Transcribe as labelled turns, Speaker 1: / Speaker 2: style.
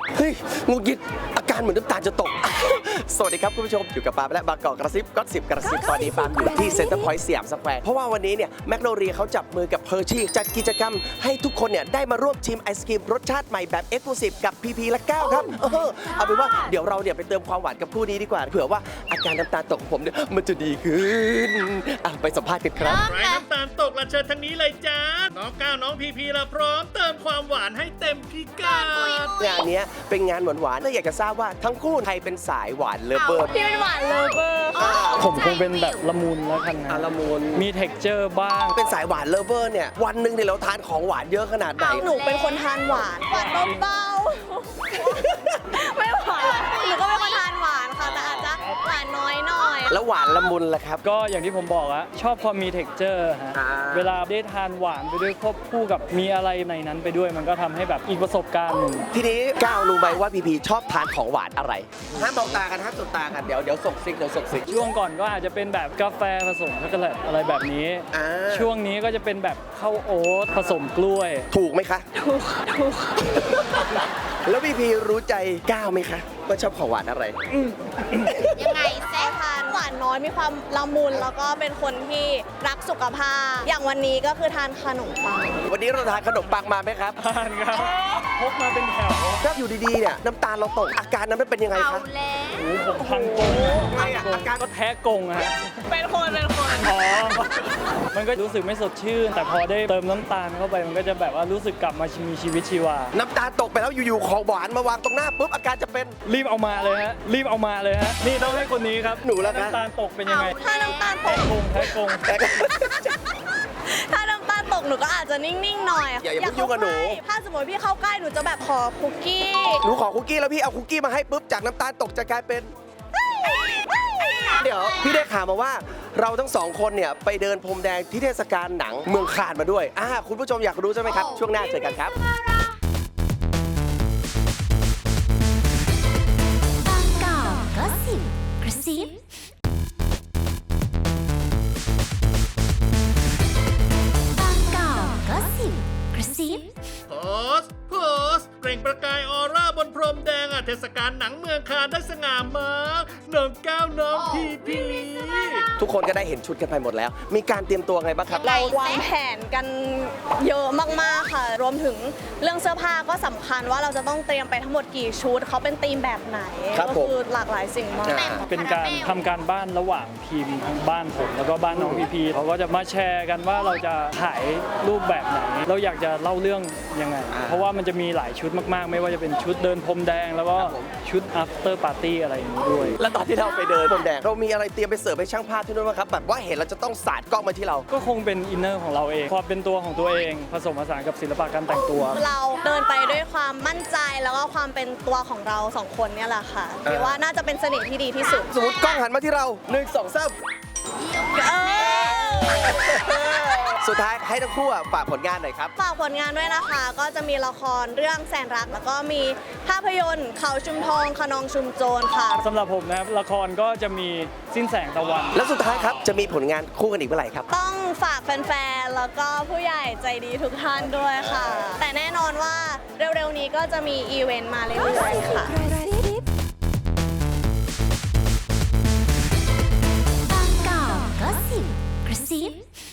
Speaker 1: เฮ้ยงูกิดอาการเหมือนน้ำตาลจะตก สวัสดีครับคุณผู้ชมอยู่กับปาล์มและบางกอกกระซิบก็10กระซิบตอนนี้ปาล์มอยู่ที่เซ็นเตอร์พอยต์สยามสแควร์เพราะว่าวันนี้เนี่ยแมคโนเรียเขาจับมือกับเพอร์ชี่จัดกิจกรรมให้ทุกคนเนี่ยได้มาร่วมชิมไอศกรีมรสชาติใหม่แบบเอ็กซ์คลูซีฟกับพีพีและก้าวครับเอาเป็นว่าเดี๋ยวเราเนี่ยไปเติมความหวานกับผู้นี้ดีกว่าเผื่อว่าอาการน้ำตาลตกของผมเนี่ยมันจะดีขึ้นไปสัมภาษณ์กันครับ
Speaker 2: ใครน้ำตาลตกละเชิญทางนี้เลยจ้าน้องก้าวน้องพีพีละพร้อมเติมความหวานให้เต็มพิกัด
Speaker 1: งานนี้เป็นงานหวานๆเลยอยากจะทราบว่าทั้งคู่ใครเป็นสายหวานเลิฟเวอร์
Speaker 3: พี่เป็นหวานเลเวอร์ค่ะ
Speaker 4: ผมคงเป็นแบบละมุนแล้วกันนะ
Speaker 1: ละมุน
Speaker 4: มีเท็กเจอร์บ้าง
Speaker 1: เป็นสายหวานเลิฟเวอร์เนี่ยวันหนึ่งเนี่ยเราทานของหวานเยอะขนาดไหน
Speaker 3: หนูเป็นคนทานหวานเบาๆไม่หวานหนูก็เป็นคนทานหวานค่ะแต่อาจจะหวานน้อยหน่อย
Speaker 1: แล้วหวานละมุนล่ะครับ
Speaker 4: ก็อย่างที่ผมบอกอะชอบความมีเท็กเจอร์ฮะ
Speaker 1: อ่า
Speaker 4: เวลาได้ทานหวานไปด้วยควบคู่กับมีอะไรในนั้นไปด้วย มันก็ทำให้แบบอีกประสบการณ์หนึ่ง
Speaker 1: ทีนี้ก้าวรู้ไหมว่าพีพีชอบทานของหวานอะไรห้ามมองตากันห้ามสบตากันเดี๋ยวส่งซิก
Speaker 4: ช่วงก่อนก็อาจจะเป็นแบบกาแฟผสมช็อกโกแลตอะไรแบบนี้
Speaker 1: อ่า
Speaker 4: ช่วงนี้ก็จะเป็นแบบข้าวโอ๊ตผสมกล้วย
Speaker 1: ถูกไหมคะถูกแล้วพีพีรู้ใจก้าวไหมคะว่าชอบของหวานอะไร
Speaker 3: ยังไงแซ่ทานหวานน้อยมีความละมุนแล้วก็เป็นคนที่รักสุขภาพ อย่างวันนี้ก็คือทานขนมปัง
Speaker 1: วันนี้เราทานขนมปังมาไหมครับ
Speaker 4: ทานครับพกมาเป็นแถว
Speaker 1: ถ้าอยู่ดีๆเนี่ยน้ำตาลเราตกอาการนั้นมันเป็นยังไงคะ
Speaker 4: โอ้โหผมพังกง
Speaker 1: ไงอะอาการ
Speaker 4: ก็แท้กงอะฮะ
Speaker 3: เป็นคน
Speaker 4: อ๋อ มันก็รู้สึกไม่สดชื่น แต่พอได้เติมน้ำตาลเข้าไป มันก็จะแบบว่ารู้สึกกลับมามีชีวิตชีวา
Speaker 1: น้ำตาลตกไปแล้วอยู่ๆของหวานมาวางตรงหน้าปุ๊บอาการจะเป็น
Speaker 4: รีบเอามาเลยฮะ รีบเอามาเลยฮะ นี่ต้องให้คนนี้ครับ
Speaker 1: หนูแล้วครับ
Speaker 4: น้ำตาลตกเป็นยังไง
Speaker 3: ถ้าน้ำตาลต
Speaker 4: แท้
Speaker 3: ก
Speaker 4: กงแท้กง
Speaker 3: ถ้าน้ำตาลตกหนูก็อาจจะนิ่งๆหน่อย
Speaker 1: อย่าเพิ่งยุ่งกับหนู
Speaker 3: ถ้าสมมติพี่เข้าใกล้หนูจะแบบขอคุกกี้
Speaker 1: หนูขอคุกกี้แล้วพี่เอาคุกกี้มาให้ปุ๊บจากน้ำตาลตกจะกลายเป็น เดี๋ยวพี่ได้ข่าวมาว่าเราทั้งสองคนเนี่ยไปเดินพรมแดงที่เทศกาลหนังเมืองคานมาด้วยคุณผู้ชมอยากรู้ใช่ไหมครับ ช่วงหน้าเจอกันครับ
Speaker 5: บางกอกก็สิบกระซิบางกอกก็สิบกระซิบ
Speaker 2: โพสเปล่งประกายออร่าบนพรมแดงเทศกาลหนังเมืองคานได้สง่ามากน้องก้าวน้องพีพี
Speaker 1: ทุกคนก็ได้เห็นชุดกันไปหมดแล้ว มีการเตรียมตัวไงบ้างครับ
Speaker 3: เราวางแผนกันเยอะมากๆค่ะ รวมถึงเรื่องเสื้อผ้าก็สำคัญว่าเราจะต้องเตรียมไปทั้งหมดกี่ชุดเขาเป็นธีมแบบไหน
Speaker 1: ครับ
Speaker 3: ก็
Speaker 1: ผม
Speaker 3: คือหลากหลายสิ่งมาก
Speaker 4: เป็นการทำการบ้านระหว่างทีมทั้งบ้านผมแล้วก็บ้านน้องพีพีเขาก็จะมาแชร์กันว่าเราจะถ่ายรูปแบบไหน เราอยากจะเล่าเรื่องยังไง เพราะว่ามันจะมีหลายชุดมากๆ ไม่ว่าจะเป็นชุดเดินพรมแดงแล้วก็ชุด after party อะไรอย่างนี้ด้วย
Speaker 1: แล้วตอนที่เราไปเดินพรมแดงเรามีอะไรเตรียมไปเสิร์ฟให้ช่างภาพที่นู่นไหมครับแบบว่าเห็นเราจะต้องสาดกล้องมาที่เรา
Speaker 4: ก็คงเป็นอินเนอร์ของเราเองความเป็นตัวของตัวเองผสมผสานกับศิลปะการแต่งตัว
Speaker 3: เราเดินไปด้วยความมั่นใจแล้วก็ความเป็นตัวของเราสองคนเนี่ยแหละค่ะคิดว่าน่าจะเป็นเสน่ห์ที่ดีที่สุด
Speaker 1: สมมติกล้องหันมาที่เรา1 2 3 สุดท้ายให้ทั้งคู่ฝากผลงานหน่อยครับ
Speaker 3: ฝากผลงานด้วยนะคะ ก็จะมีละครเรื่องแสนรัก แล้วก็มีภาพยนตร์เขาชุมทองขนองชุมโจรค่ะ
Speaker 4: สำหรับผมนะครับละครก็จะมีสิ้นแสงตะวัน
Speaker 1: แล้วสุดท้ายครับจะมีผลงานคู่กันอีกเมื่อไหร่ครับ
Speaker 3: ต้องฝากแฟนๆ แล้วก็ผู้ใหญ่ใจดีทุกท่านด้วยค่ะ แต่แน่นอนว่าเร็วๆนี้ก็จะมีอีเวนต์มาเรื่อยๆค่ะ
Speaker 5: บางกอกก็สิบกระซิบ